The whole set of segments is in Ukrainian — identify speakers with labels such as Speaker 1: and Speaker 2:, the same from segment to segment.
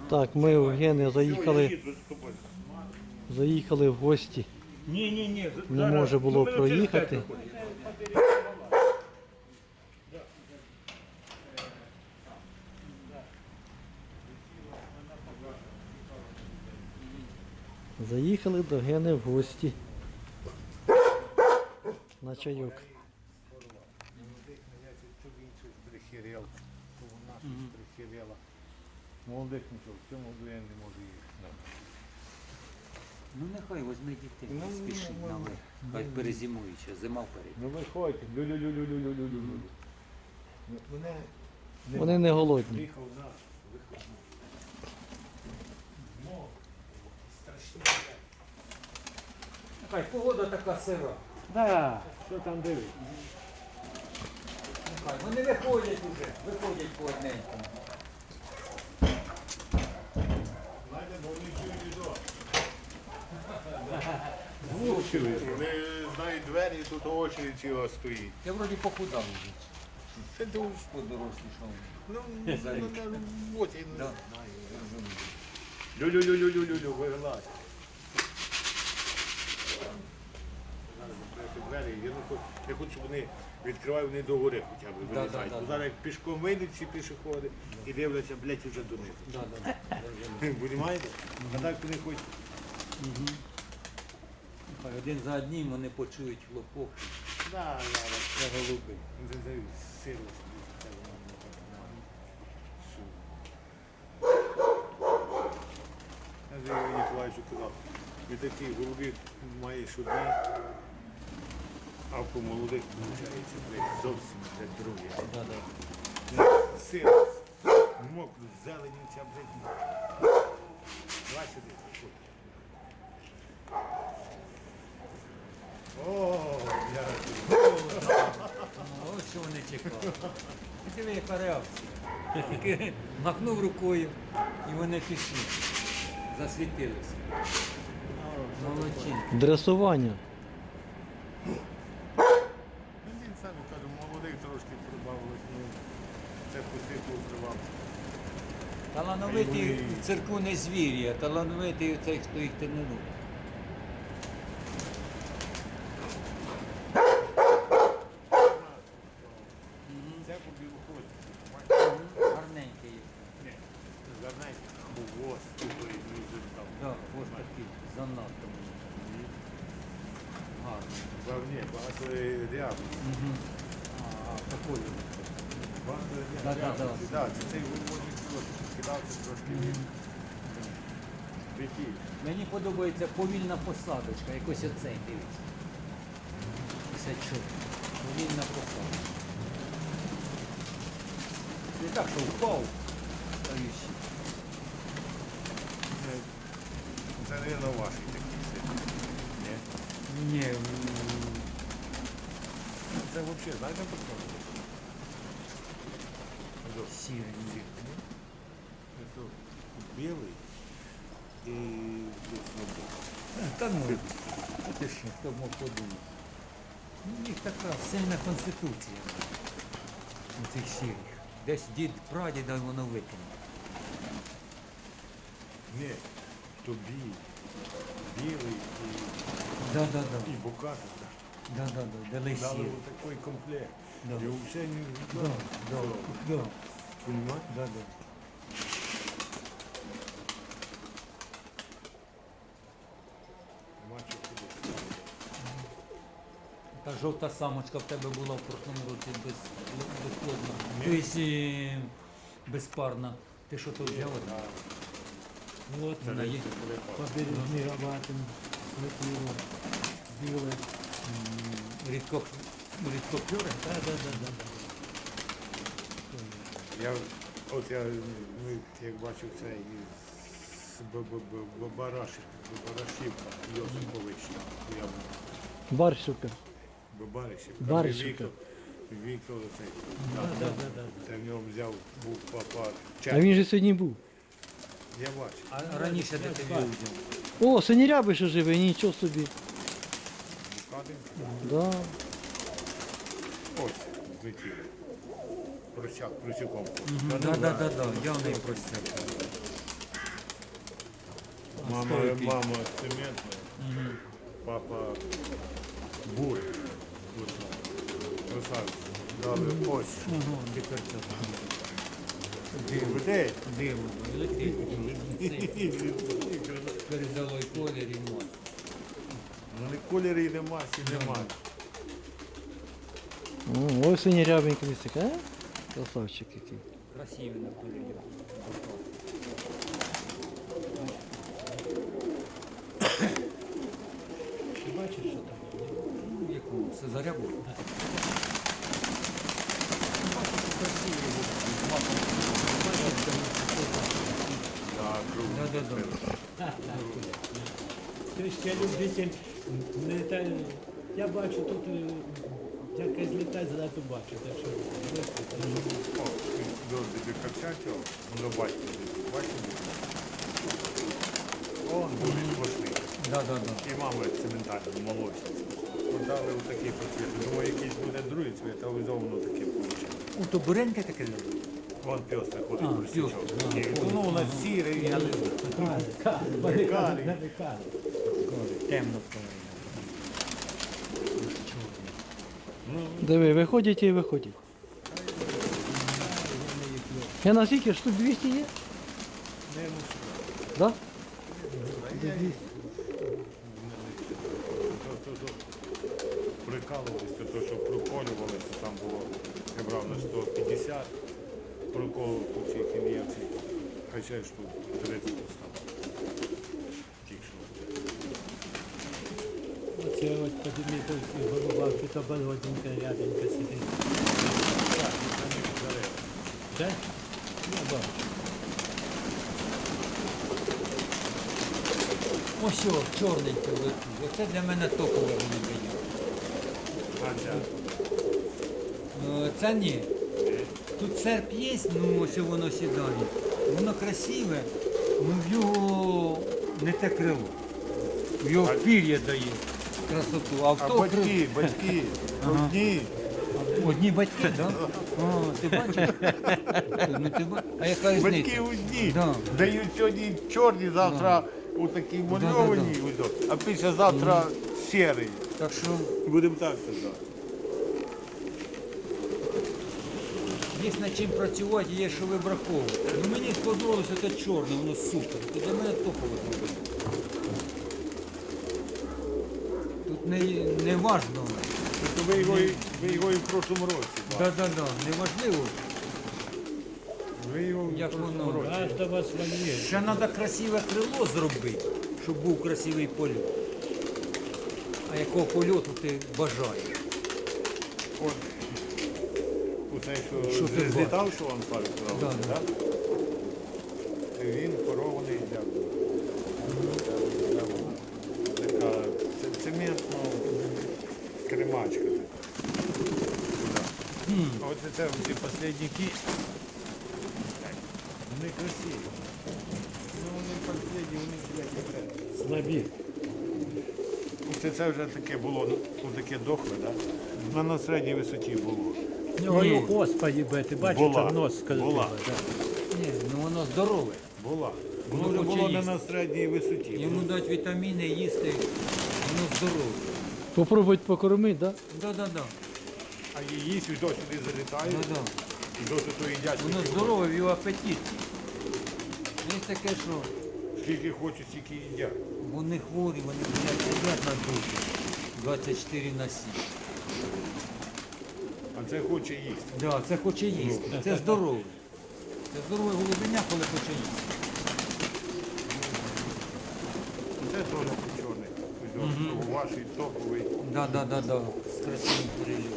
Speaker 1: Так, ми у Гени заїхали в гості.
Speaker 2: Ні.
Speaker 1: Не може було проїхати. Заїхали до Гени в гості. На чайок.
Speaker 2: Молодих нічого, в цьому году я не можу їхати.
Speaker 3: Ну нехай возьми дітей, не спішить на ви. Хай перезимують, ще зима вперед.
Speaker 2: Ну виходьте, лю-лю-лю-лю-лю-лю-лю.
Speaker 1: Вони не голодні.
Speaker 2: Приїхав наш, виходить.
Speaker 3: Нехай погода така сира.
Speaker 2: Да, що там дивись?
Speaker 3: Нехай, вони виходять уже, виходять по одненькому.
Speaker 2: Знаєте, бо вони чують відео. Влучили. Вони знають двері, і тут очередь ціла стоїть.
Speaker 3: Я вроді похудав вже.
Speaker 2: Це дуже.
Speaker 3: Подорослішав.
Speaker 2: Ну, на роботі, я не
Speaker 3: Да.
Speaker 2: знаю, я розумію. Лю-лю-лю-лю-лю-лю, вилазь. Зараз відкрити двері, я хочу, щоб вони відкривають, вони до гори хоча б вилізають.
Speaker 3: да,
Speaker 2: Бо зараз як пішком вийдуть ці пішоходи і дивляться, блядь, вже донизу. Понімаєте? А так вони хочуть.
Speaker 3: Нехай один за одним вони почують хлопок.
Speaker 2: Да,
Speaker 3: Це голуби.
Speaker 2: силу. Я ж Ігорю Ніколаївичу казав, від таких голубів маєш одні, а по молодих виходить, блядь, зовсім блядь, друге. Сила, мокру, зелені ця, блядь. Давай сюди. О, я
Speaker 3: Ось що вони чекали. Диви, яка реакція. Тільки махнув рукою і вони пішли. Засвітилися. Молодчинки.
Speaker 1: Дресування.
Speaker 2: Він сам каже, молодих трошки прибавилось, ну це постійно прибавилось.
Speaker 3: Талановитий в цирку не звір'я, талановитий цей, хто їх тренує.
Speaker 2: Це по білоході.
Speaker 3: Гарненький є.
Speaker 2: Ні, гарненький, хвост, тупий, дуже там.
Speaker 3: Так, ось такий, занадто. Гарно.
Speaker 2: Ні, багато рябів.
Speaker 3: А, такою.
Speaker 2: Багато
Speaker 3: Да,
Speaker 2: рябів. Так, це цей виводний трошки скидався трошки від віків.
Speaker 3: Мені подобається повільна посадочка, якось оцей, дивіться. 54. Повільна посадочка. Не так, що впав. Стоючий.
Speaker 2: Це, мабуть, ваші такі сильні. Ні?
Speaker 3: Ні,
Speaker 2: Це взагалі, знаєте, про що?
Speaker 3: сірий.
Speaker 2: Це білий і
Speaker 3: Та ну, а ти що, хто мог подумати? Ну, у них така сильна конституція у цих сірих. Десь дід прадіда воно викине.
Speaker 2: Ні, то білий
Speaker 3: Да.
Speaker 2: і букати.
Speaker 3: Да. Дали
Speaker 2: Дали
Speaker 3: сірий.
Speaker 2: ось такий комплект.
Speaker 3: Да.
Speaker 2: І взагалі не
Speaker 3: Да.
Speaker 2: Понимаєте?
Speaker 3: Да.
Speaker 2: Бачу куди.
Speaker 3: Та жовта самочка в тебе була в прошлому році безплодна.
Speaker 2: Ні.
Speaker 3: Тобто безпарна. Ти що то взяв? От вона є.
Speaker 1: Побережні рабатин. Летіло. Біле.
Speaker 3: Рідкоклюри?
Speaker 2: Я як бачив це із Барашівка, Йосипович, я
Speaker 1: Барщука.
Speaker 2: Баришівка.
Speaker 1: Баришівка.
Speaker 2: Віктор цей. Це в нього взяв, був папа.
Speaker 1: А він же сьогодні був.
Speaker 2: Я бачу.
Speaker 3: А раніше де ти взяв?
Speaker 1: О, синіряби ще живе, нічого собі.
Speaker 2: Букадин.
Speaker 1: Да.
Speaker 2: Ось, злетіли. Просяком.
Speaker 3: Да, я в неї простяг.
Speaker 2: Мама цементная, папа бурый. Красавец. Дали ось.
Speaker 3: Тепер це
Speaker 2: Людей.
Speaker 3: диво, електричний. Передало і колір, і мать.
Speaker 2: Ну не кольорів нема, і нема.
Speaker 1: Ось синірябенький листик, а? Красавчик який.
Speaker 3: Красивий на кольорі.
Speaker 1: Ти бачиш, що там?
Speaker 3: Ну, яку? Це зарябу?
Speaker 2: Да, круто.
Speaker 3: Да.
Speaker 4: Ти ще любитель літає. Я бачу тут, якась літає, занадто бачу. Так що
Speaker 2: О, до Копчачого, воно бачите, Он дуже смачний.
Speaker 3: Да.
Speaker 2: І мама цементальна, молочна. Продали отакий пакет. Думаю, якийсь буде другий цвіт, а воно таке вийшло.
Speaker 3: У то буреньке таке?
Speaker 2: Вон пьоста
Speaker 3: А,
Speaker 2: ходить русичок.
Speaker 3: пьоста, да.
Speaker 2: Ну, у нас сірий, я не знаю.
Speaker 3: Темно.
Speaker 1: Диви, виходять і виходять. Я на скільки? Штук 200 є? Да?
Speaker 2: Прикалувалися, то що проколювалися, там було, я брав на 150, проколов по цій хіміявці, хоча штук 30 постав. Тільки що.
Speaker 4: Оце от подиві, тут голова, тут оболоденька ряденька сидить.
Speaker 2: Так, на них зарив.
Speaker 4: Так? Я бачу.
Speaker 3: Ось о, чорненьке летить. Оце для мене топове вони дають.
Speaker 2: А, ця?
Speaker 3: Це ні. Тут серп є, ну ось воно сідає. Воно красиве, ну в його не те крило. В його пір'я дає красоту. А в
Speaker 2: А
Speaker 3: то
Speaker 2: батьки, одні.
Speaker 3: Одні батьки, так? Да? О, ти бачиш? Ну, ти ба... А яка
Speaker 2: Батьки
Speaker 3: різниця?
Speaker 2: одні.
Speaker 3: Да.
Speaker 2: Дають сьогодні чорні, завтра отакі мальовані, а післязавтра сірий.
Speaker 3: Так що
Speaker 2: Будемо так казати.
Speaker 3: є над чим працювати, є що вибраховувати. Ну мені сподобалося те чорне, воно супер. Це для мене топове зробили. Тут не важно.
Speaker 2: Тобто ви його і в прошлому році.
Speaker 3: Да. Не важливо.
Speaker 2: Ви його в
Speaker 3: Як
Speaker 2: прошлому
Speaker 3: воно?
Speaker 2: році.
Speaker 4: Каждого своє.
Speaker 3: Ще треба красиве крило зробити, щоб був красивий польот. А якого польоту ти бажаєш?
Speaker 2: От, оцей,
Speaker 3: Що
Speaker 2: що
Speaker 3: ти
Speaker 2: злітав, що вам Славік сказав,
Speaker 3: Да, да.
Speaker 2: так? Він порований дякую. Така цементна кремачка. Ось це ці послідники. Вони красиві. Ну вони послідні, вони блядь,
Speaker 4: Слабі.
Speaker 2: це вже таке було, ну таке дохле, так? Да? На середній висоті було.
Speaker 4: Ну, господи, бе, ти бачиш,
Speaker 2: Була.
Speaker 4: там нос скажи.
Speaker 2: Була.
Speaker 3: Ні, ну воно здорове.
Speaker 2: Була. Воно
Speaker 3: Воно
Speaker 2: вже
Speaker 3: хоче
Speaker 2: було не
Speaker 3: їсти.
Speaker 2: на середній висоті.
Speaker 3: Йому дати вітаміни, їсти, воно здорове.
Speaker 1: Попробують покормити, да?
Speaker 3: Да.
Speaker 2: А її сюди сюди залітають,
Speaker 3: Да.
Speaker 2: і досі то їдять.
Speaker 3: Воно
Speaker 2: скільки
Speaker 3: здорове, в його апетит. Є таке, що
Speaker 2: хочуть. Скільки хочуть, стільки їдять.
Speaker 3: вони хворі, вони сидять на душі 24 на 7.
Speaker 2: А це хоче їсти.
Speaker 3: Да, це хоче їсти. Це здорове. Це здорове голубеня, коли хоче їсти.
Speaker 2: Це теж чорний. Ось ваш топовий.
Speaker 3: Да. З красивим переліком.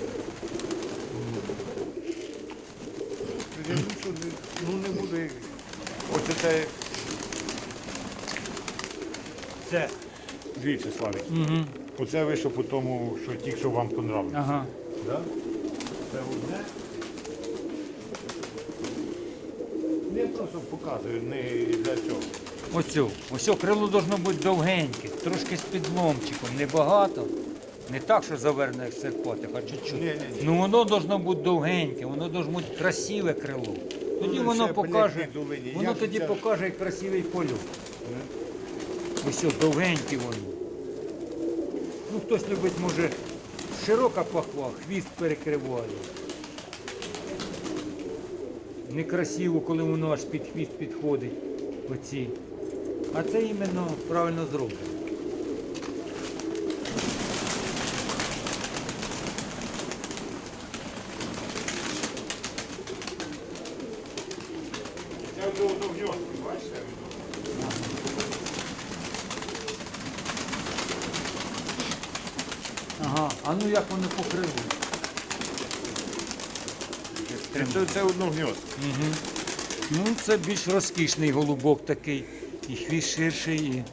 Speaker 2: Я думаю, що не буду. Ось це. Дивіться, Славік. Оце вийшло по тому, що тільки що вам понравилось.
Speaker 3: Ага.
Speaker 2: Да? Це одне. Я просто показую, не для цього.
Speaker 3: Ось крило должно бути довгеньке, трошки з підломчиком, небагато. Не так, що заверне як серпотик, а чуть-чуть.
Speaker 2: Ні.
Speaker 3: Ну воно должно бути довгеньке, воно должно бути красиве крило. Тоді
Speaker 2: Ну,
Speaker 3: воно
Speaker 2: ще
Speaker 3: покаже,
Speaker 2: блядь, долині.
Speaker 3: воно
Speaker 2: Як
Speaker 3: тоді
Speaker 2: це?
Speaker 3: покаже красивий польот. Ось ось довгенькі вони. Ну, хтось любить, може, широка пахва, хвіст перекриває. Некрасиво, коли воно аж під хвіст підходить. Оці. А це іменно правильно зроблено.
Speaker 2: Це вже удовжок, бачите?
Speaker 3: Ага, а ну як вони покрили?
Speaker 2: Це одногньоздка.
Speaker 3: Ну, це більш розкішний голубок такий. І хвіст ширший, і...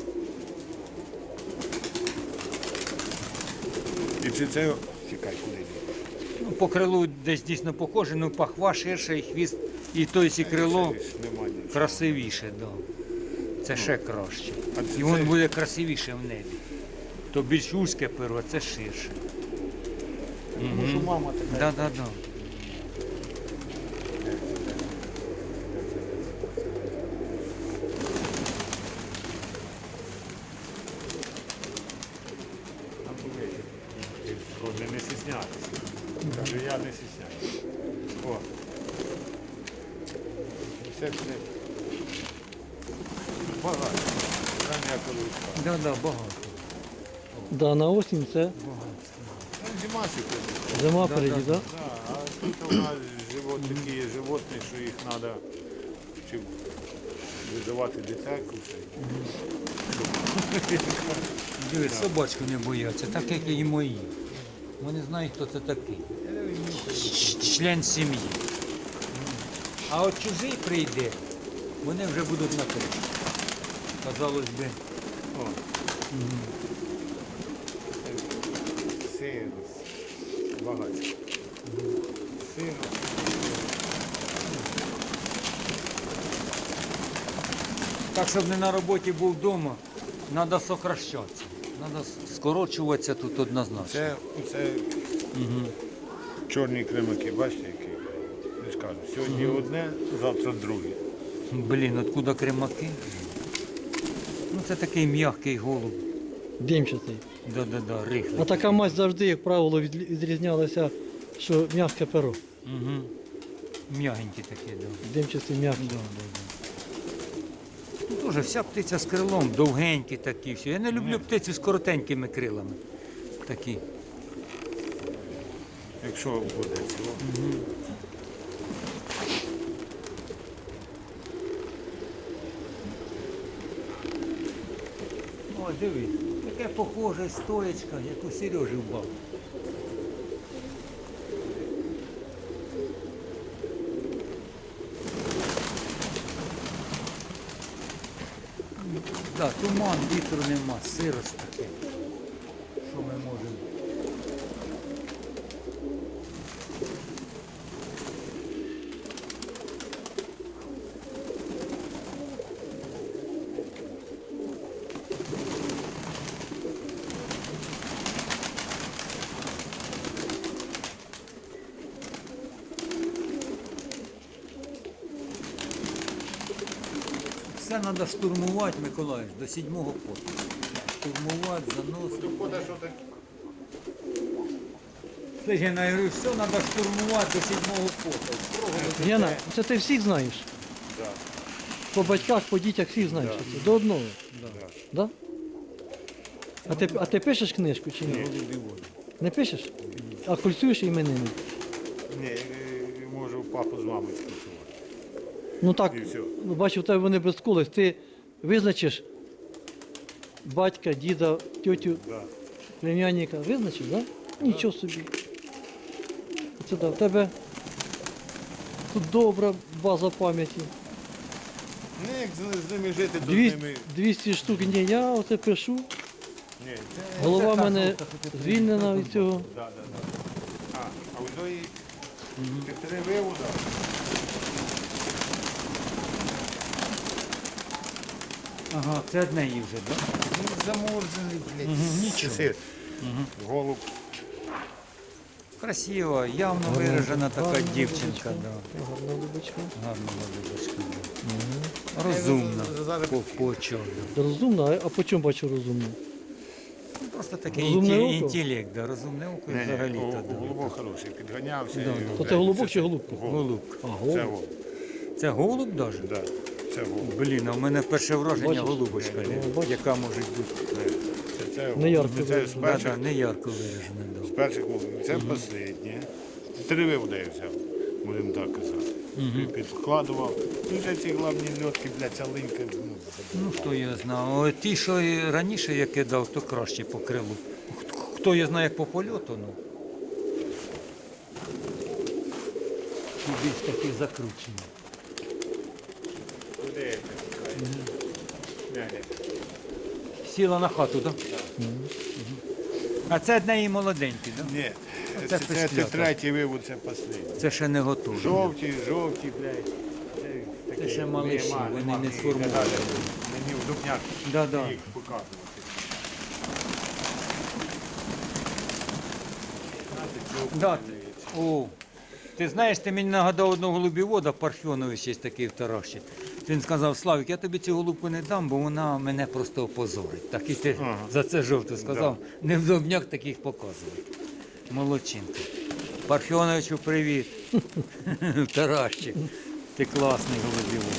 Speaker 2: І чи це... Чекай, куди йде?
Speaker 3: Ну, по крилу десь дійсно похоже, ну пахва ширша, і хвіст, і то і крило
Speaker 2: Це ж нема нічого.
Speaker 3: красивіше, да. Це ще краще.
Speaker 2: А це-
Speaker 3: І воно
Speaker 2: це-
Speaker 3: буде красивіше в небі. То більш вузьке перо, а це ширше.
Speaker 1: Тому що мама така.
Speaker 3: Да, да, да.
Speaker 2: Там були. Не стіснятися. Кажу, я не стісняюся. О. Все це багато. Прям я коли встав.
Speaker 3: Да, да, багато.
Speaker 1: Да, на осінь це
Speaker 2: Там зима сьогодні.
Speaker 1: зима впереді, так?
Speaker 2: Да, а тут у нас такі животні, що їх треба чи визивати дитяку.
Speaker 3: Дивись, собачку не бояться, так як і мої. Вони знають, хто це такий. Член сім'ї. А от чужий прийде, вони вже будуть на криші. Казалось би.
Speaker 2: О. Син, багато. Син.
Speaker 3: Так, щоб не на роботі був вдома, треба сокращатися. Треба скорочуватися тут однозначно.
Speaker 2: Це чорні кремаки, бачите, які? Не скажу. Сьогодні одне, завтра друге.
Speaker 3: Блін, откуда кремаки? Ну це такий м'який голуб.
Speaker 1: Димчатий.
Speaker 3: Да-да-да, рихлий.
Speaker 1: А така мазь завжди, як правило, відрізнялася, що м'яке перо.
Speaker 3: Угу. М'ягенький такий, да.
Speaker 1: Димчатий м'який.
Speaker 3: Да, да, да. Ну, теж вся птиця з крилом, довгенькі такі всі. Я не люблю птицю з коротенькими крилами. Такі.
Speaker 2: Якщо буде цього.
Speaker 3: О, дивись, таке похоже стоячка, як у Сережі в бабу. Так, туман, вітру нема, сирость таке. Що ми можемо? Все треба штурмувати, Миколаївич, до 7-го поту. Штурмувати, заносити. Слухай, я говорю, все треба штурмувати до 7-го поту. Строго до
Speaker 1: Яна,
Speaker 3: дітей.
Speaker 1: це ти всіх знаєш?
Speaker 2: Да.
Speaker 1: По батьках, по дітях всіх знаєш? Це до одного. Да. А ти пишеш книжку чи ні?
Speaker 3: Голубі води.
Speaker 1: Не пишеш? А кульцюєш іменини?
Speaker 2: Ні, можу папу з мамою спілкувати.
Speaker 1: Ну так,
Speaker 2: І все.
Speaker 1: ну, бачу, в тебе вони без колись. Ти визначиш батька, діда, тьотю,
Speaker 2: Да.
Speaker 1: племянника. Визначиш, так? Да? Нічого собі. Це да, в тебе тут добра база пам'яті.
Speaker 2: Ну, як з ними жити, то з
Speaker 1: 200,
Speaker 2: ними...
Speaker 1: 200 штук. Ні, я оце пишу.
Speaker 2: Ні, це...
Speaker 1: Голова в
Speaker 3: та
Speaker 1: мене
Speaker 3: жовта, що ти
Speaker 1: звільнена від цього.
Speaker 2: Да. А у тої півтори вивода.
Speaker 3: Ага, це одне її вже, так?
Speaker 2: Він заморзаний, блядь.
Speaker 3: Нічого.
Speaker 2: Сир. Голуб.
Speaker 3: красива, явно виражена така
Speaker 1: Гарна
Speaker 3: дівчинка.
Speaker 1: голубочка.
Speaker 3: Да.
Speaker 1: Гарна голубочка.
Speaker 3: Гарна голубочка. Да. Розумна. По чому.
Speaker 1: Розумна, а по чому бачу розумну?
Speaker 3: Ну, просто такий
Speaker 1: Розумне око?
Speaker 3: інтелект, да. Розумне око і взагалі-то. Да.
Speaker 2: Голубок хороший, підганявся.
Speaker 3: Да,
Speaker 2: і,
Speaker 1: То
Speaker 2: блядь,
Speaker 1: це голубок чи голубка?
Speaker 3: Голуб.
Speaker 1: А,
Speaker 2: Це
Speaker 1: голуб.
Speaker 2: голуб.
Speaker 3: Це голуб навіть?
Speaker 2: Да, це голуб.
Speaker 3: Блін, а в мене перше враження
Speaker 1: Бачиш?
Speaker 3: голубочка,
Speaker 1: бачиш?
Speaker 3: яка може бути.
Speaker 2: Це
Speaker 1: Не ярко
Speaker 2: це з
Speaker 1: виражено.
Speaker 3: Да,
Speaker 2: перших,
Speaker 3: да, не ярко виражена.
Speaker 2: з перших голубів. Це останнє. Три вдає взяв, будемо так казати. Підкладував. Ну, вже ці головні льотки, блядь, ця линька.
Speaker 3: Ну, хто його знає. О, ті, що і раніше я кидав, то краще по крилу. Хто його знає, як по польоту, ну. Ті більш такі закручені.
Speaker 2: Куди?
Speaker 3: Сіла на хату, так? А це одне молоденькі, так?
Speaker 2: Ні,
Speaker 3: Це
Speaker 2: це
Speaker 3: писклята.
Speaker 2: третій вивод, це останній.
Speaker 3: Це ще не готові.
Speaker 2: Жовті, блядь.
Speaker 3: Це ще малиші, вони не сформовані.
Speaker 2: Мені в дубняк
Speaker 3: Да.
Speaker 2: їх показувати.
Speaker 3: Да. О, ти знаєш, ти мені нагадав одного голубівода, Парфьонович є такий в Тараші. Він сказав: Славік, я тобі цю голубку не дам, бо вона мене просто опозорить. Так і ти за це жовто сказав. Не в Дубняк таких показувати. Молодчинка. Парфьоновичу привіт. Таращик. Ти класний голубівод.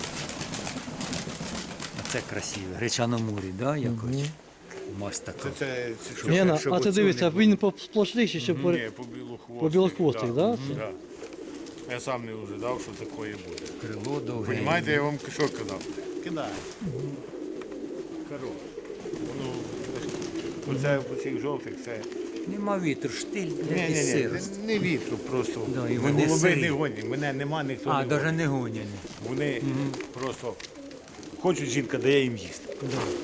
Speaker 3: А це красиво. Гречано-мурі, да, якось? Масть така.
Speaker 2: Це що?
Speaker 1: Лена,
Speaker 3: щоб
Speaker 1: а ти
Speaker 3: оцю
Speaker 1: дивися,
Speaker 3: не
Speaker 1: він сплошніший, ще по...
Speaker 2: Ні, по білохвостих.
Speaker 1: По білохвостих, да?
Speaker 2: Да. Я сам не ожидав, що таке буде.
Speaker 3: Крило довге.
Speaker 2: Понімаєте, я вам що казав? Кидай. Хорош. Ну, оце по цих жовтих, це...
Speaker 3: Нема вітру, штиль, блядь, і
Speaker 2: Ні,
Speaker 3: сирость.
Speaker 2: не вітру просто.
Speaker 3: Да, і вони
Speaker 2: голуби
Speaker 3: сирі.
Speaker 2: не гонять, мене нема, ніхто
Speaker 3: А,
Speaker 2: не
Speaker 3: навіть
Speaker 2: гонить.
Speaker 3: не гоняні.
Speaker 2: Вони просто хочуть, жінка дає їм їсти.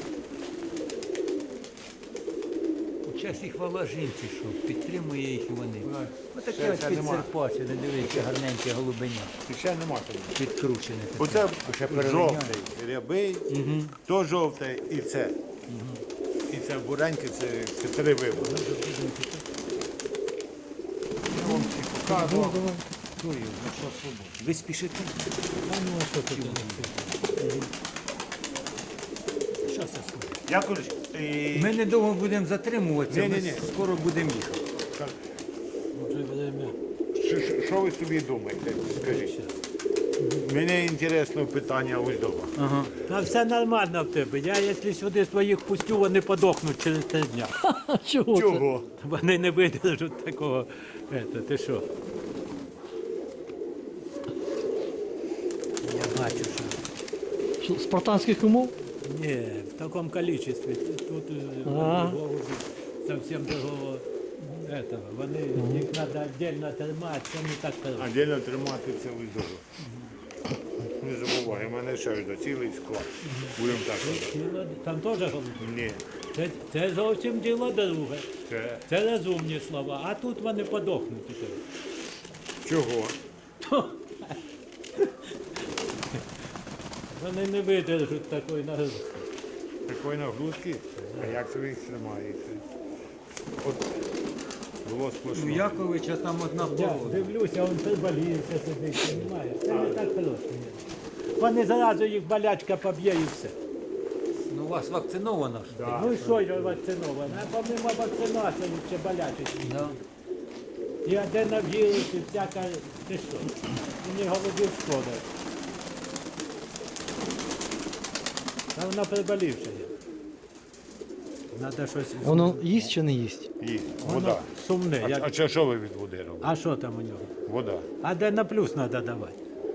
Speaker 3: Час і хвала жінці, що підтримує їх і вони. Отаке
Speaker 2: Ще-
Speaker 3: ось
Speaker 2: ще нема.
Speaker 3: підсерпачене, дивіться, гарненьке голубеня.
Speaker 2: І ще нема там.
Speaker 3: Підкручене.
Speaker 2: Оце
Speaker 3: Ще перелиняє.
Speaker 2: жовтий, рябий, то жовте і це. І це буреньке, це три виводи. Я вам всі показував.
Speaker 3: Ви спішите?
Speaker 2: Я кажу,
Speaker 3: Ми недовго будемо затримуватися, ми
Speaker 2: Ні-ні-ні.
Speaker 3: скоро будемо їхати.
Speaker 4: Вже время.
Speaker 2: що ви собі думаєте, скажіть? Мені інтересно питання ось до вас.
Speaker 3: Ага.
Speaker 4: Та все нормально в тебе. Я, якщо сюди своїх пустю, вони подохнуть через 3 дня.
Speaker 1: А чого це?
Speaker 2: Чого?
Speaker 4: Вони не видержать такого. Ти що? Я бачу, що
Speaker 1: Що, спартанських умов?
Speaker 4: ні, в такому кількості. Тут
Speaker 1: Ага.
Speaker 4: голуби зовсім другого этого. Вони, їх треба віддільно тримати, це не так просто.
Speaker 2: А дільно тримати це ось до вас. Не забувай, у мене ще до цілий склад. Будемо так казати.
Speaker 4: Там теж голуби.
Speaker 2: Ні,
Speaker 4: Це зовсім діло друге.
Speaker 2: це
Speaker 4: Це розумні слова, а тут вони подохнуть.
Speaker 2: чого?
Speaker 4: Вони не видержать такої нагрузки.
Speaker 2: Такої нагрузки? А як це ви їх тримаєте? От було
Speaker 3: У
Speaker 2: сплошно.
Speaker 3: Яковича там одна
Speaker 4: Я
Speaker 3: порода.
Speaker 4: дивлюся, він приболівся сидить, розумієш? Це не так просто. Вони зразу їх болячка поб'є і все.
Speaker 3: Ну, у вас вакциновано ж?
Speaker 2: Да.
Speaker 4: Ну і що я вакцинована? А помимо вакцинації ще болячить.
Speaker 3: Да.
Speaker 4: І аденовірус, і всяка, ти що? Мені голубів шкода. Та вона приболівша є. Надо щось.
Speaker 1: Воно їсть чи не їсть?
Speaker 2: Їсть.
Speaker 4: Воно
Speaker 2: Вода.
Speaker 4: сумне.
Speaker 2: А
Speaker 4: Як...
Speaker 2: це що ви від води робите?
Speaker 4: А що там у нього?
Speaker 2: Вода.
Speaker 4: Адена плюс треба давати.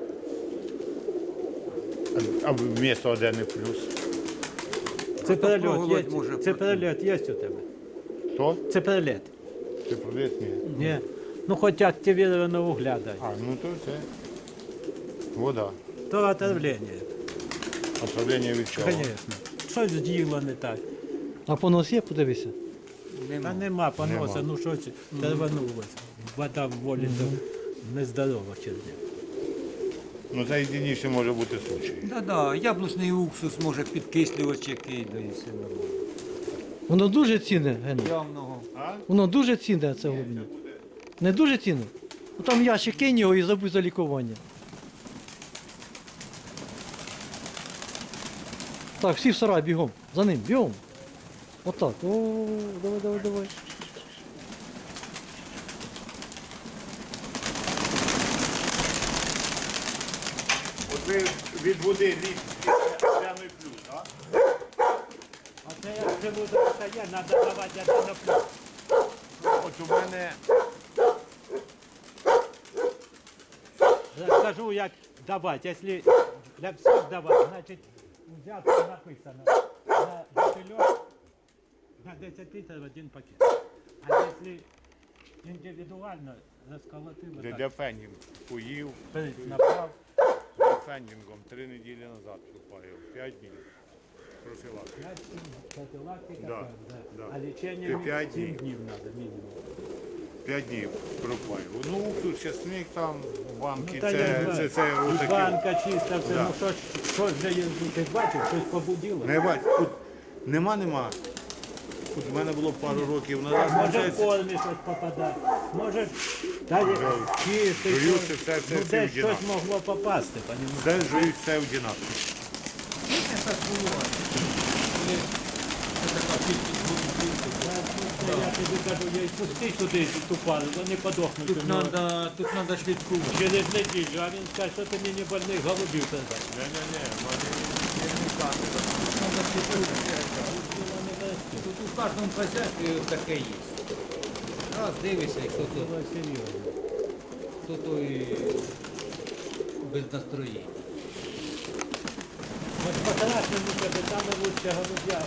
Speaker 2: А вмісто одне плюс?
Speaker 4: Це перельот
Speaker 3: проголодь
Speaker 4: є.
Speaker 3: може
Speaker 4: Це перельот є у тебе.
Speaker 2: Хто?
Speaker 4: Це перельот.
Speaker 2: Це проліт? Ні.
Speaker 4: Ні. Ну хоч активірованого угля дай.
Speaker 2: А, ну то це вода.
Speaker 4: То отравлення.
Speaker 2: Отравлення від чого?
Speaker 4: Звісно. Щось діло не так.
Speaker 1: А понос є, подивися.
Speaker 4: Та нема поноса,
Speaker 2: Нема.
Speaker 4: ну щось терванулося. Вода в волі то нездорова через нього.
Speaker 2: Ну це єдиніше може бути случай.
Speaker 3: Да, яблучний уксус може підкислювач який, да і все нормально.
Speaker 1: Воно дуже цінне, Гена.
Speaker 3: Явного.
Speaker 2: А?
Speaker 1: Воно дуже цінне, це голубня. Не дуже цінно? Ну там ящик кинь його і забудь за лікування. Так, всі в сарай бігом. За ним, бігом. Отак. О, давай, давай, давай.
Speaker 2: От ви від води літ прямий плюс, так?
Speaker 4: А це як живу до стає, треба давати один на плюс.
Speaker 2: От у мене
Speaker 4: Скажу, як давати. Якщо для всіх давати, значить взятка написано на бутильок на 10 літрів один пакет. А якщо індивідуально розколотили,
Speaker 2: для фенінг поїв,
Speaker 4: направ,
Speaker 2: для фенінгом 3 неділі назад пропаяв, 5 днів. Профілактика.
Speaker 4: профілактика,
Speaker 2: Да,
Speaker 4: так, да.
Speaker 2: да.
Speaker 4: А лічення
Speaker 2: Ти 5
Speaker 4: 7
Speaker 2: днів.
Speaker 4: днів треба мінімум.
Speaker 2: 5 днів пропаяв. Ну, тут чесник там, банки,
Speaker 4: Та я знаю.
Speaker 2: це
Speaker 4: І
Speaker 2: отакі.
Speaker 4: банка чиста, все,
Speaker 2: Да.
Speaker 4: ну що ж для ти бачив, щось побудило.
Speaker 2: Не бать, тут нема. Тут в мене було пару років назад.
Speaker 4: Може в формі щось попадати, може далі чистий,
Speaker 2: Жую
Speaker 4: щось.
Speaker 2: це все
Speaker 4: Ну
Speaker 2: всі
Speaker 4: десь
Speaker 2: одинаково.
Speaker 4: щось могло попасти, понімаєш?
Speaker 2: Де жують все одинаково.
Speaker 3: Це так буває. Коли це така кількість голубів.
Speaker 4: Я тобі кажу, я й пусти сюди ту пару, вони подохнуть.
Speaker 3: Тут треба слідкувати.
Speaker 4: Через неділю, а він скаже, що ти мені больних голубів передай.
Speaker 2: Ні,
Speaker 3: Тут у кожному хазяйстві таке є. Раз дивишся, хто тут,
Speaker 4: Це серйозно.
Speaker 3: хто той без настроєння.
Speaker 4: Ось по-хорошому тебе, саме лучше голубя.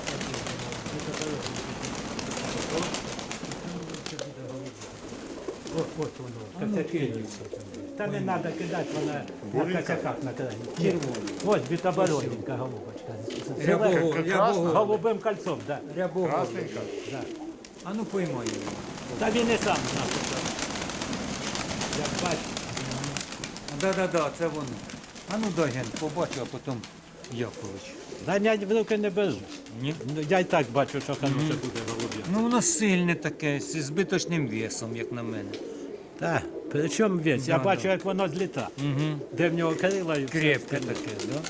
Speaker 4: Ось воно, косяки. Та не треба кидати, вона на косяках на краї. Ось бітобороненька голубочка. З голубим кольцом, так.
Speaker 3: Рябого.
Speaker 2: Красненька.
Speaker 4: Да.
Speaker 3: А ну поймай його.
Speaker 4: Та він і сам знав. Як бачиш.
Speaker 3: Да, це воно. А ну дай ген, побачу, а потім Якович.
Speaker 4: Ганять в руки не беру.
Speaker 3: Ні?
Speaker 4: Ну, я й так бачу, що хороше буде голуб'я.
Speaker 3: Ну воно сильне таке, зі збиточним весом, як на мене.
Speaker 4: Так, при чому весь? Я
Speaker 3: Да,
Speaker 4: бачу,
Speaker 3: да.
Speaker 4: як воно зліта.
Speaker 3: Угу.
Speaker 4: Де в нього крила і все
Speaker 3: Крепке
Speaker 4: остальне.
Speaker 3: таке, да?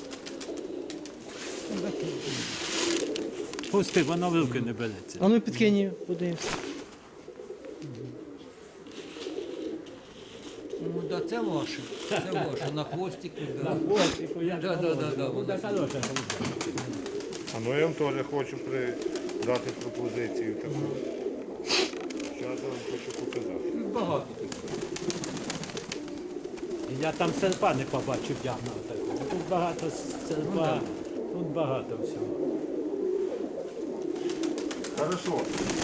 Speaker 4: Пусти, воно в руки не береться.
Speaker 1: А ну підкинь її, подивимося.
Speaker 3: Ну да, це ваше. Це ваше, на хвостику, да.
Speaker 4: Хвостику, я
Speaker 3: Да,
Speaker 4: Ну,
Speaker 3: воно
Speaker 4: так хороше голуб'я.
Speaker 2: А ну я вам теж хочу дати пропозицію таку. Зараз я вам хочу показати.
Speaker 3: Багато тут.
Speaker 4: Я там серпа не побачив явного такого. Тут багато серпа, тут багато всього.
Speaker 2: Хорошо.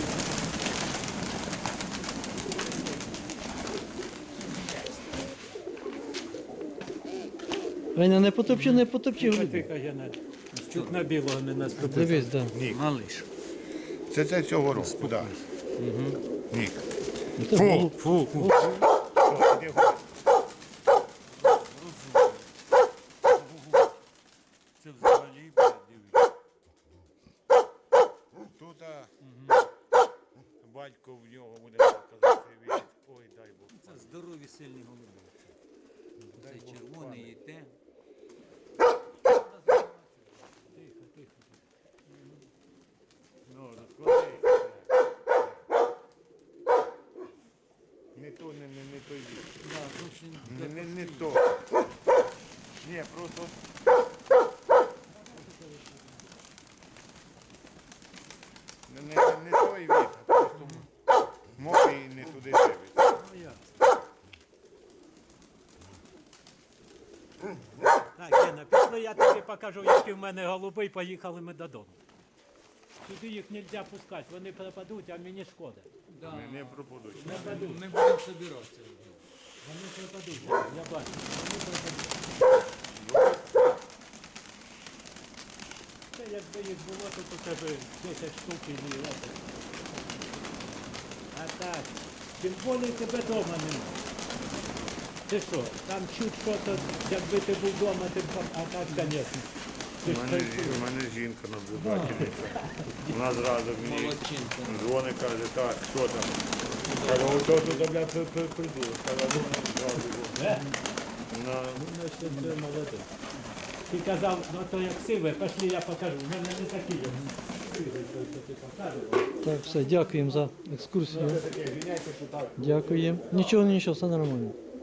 Speaker 1: Веня, не потопчи, не потопчи голубі.
Speaker 4: Тихо, я на чуть на білого не наступив.
Speaker 1: Дивись, да.
Speaker 2: Нік.
Speaker 3: Малиш.
Speaker 2: Це цього року, так. Нік.
Speaker 1: Ну, це ж голуб.
Speaker 4: Фу,
Speaker 2: Що, іди гуляй.
Speaker 3: Це взагалі, дивись.
Speaker 2: Тут батько в нього буде казати, ой, дай Бог.
Speaker 3: Це здорові сильні голуби. Це червоний і те.
Speaker 2: Ну, розкладай. Не то, не той вік.
Speaker 3: Да, зовсім
Speaker 2: Не то. Ні, просто. Не той вік, а просто може і не туди дивиться.
Speaker 4: Так, Гена, пішли, я тобі покажу, які в мене голуби, і поїхали ми додому. Сюди їх не можна пускати, вони пропадуть, а мені шкода.
Speaker 3: Да.
Speaker 2: Не пропадуть.
Speaker 3: Ми будемо збиратися.
Speaker 4: Вони пропадуть, я бачу, вони пропадуть. Це якби їх було, то у тебе 10 штук і не. А так, тим більше тебе вдома немає. Ти що, там чуть що-то, якби ти був вдома, ти б, а так, звісно. Ти ж
Speaker 2: У мене жінка наблюдательниця. Вона зразу мені
Speaker 3: Молодчинка.
Speaker 2: дзвонить, каже, так, що там? Кажу, ото тут, бля, придурок. Кажу, зразу. На...
Speaker 4: Це молодець. Ти казав, ну то як сиве, пішли я покажу. У мене не такі є. Сивий, той, що ти показував.
Speaker 1: Так, все, дякуємо за екскурсію.
Speaker 2: Таке, звиняйте, що так.
Speaker 1: Дякуємо. Нічого, нічого, все нормально.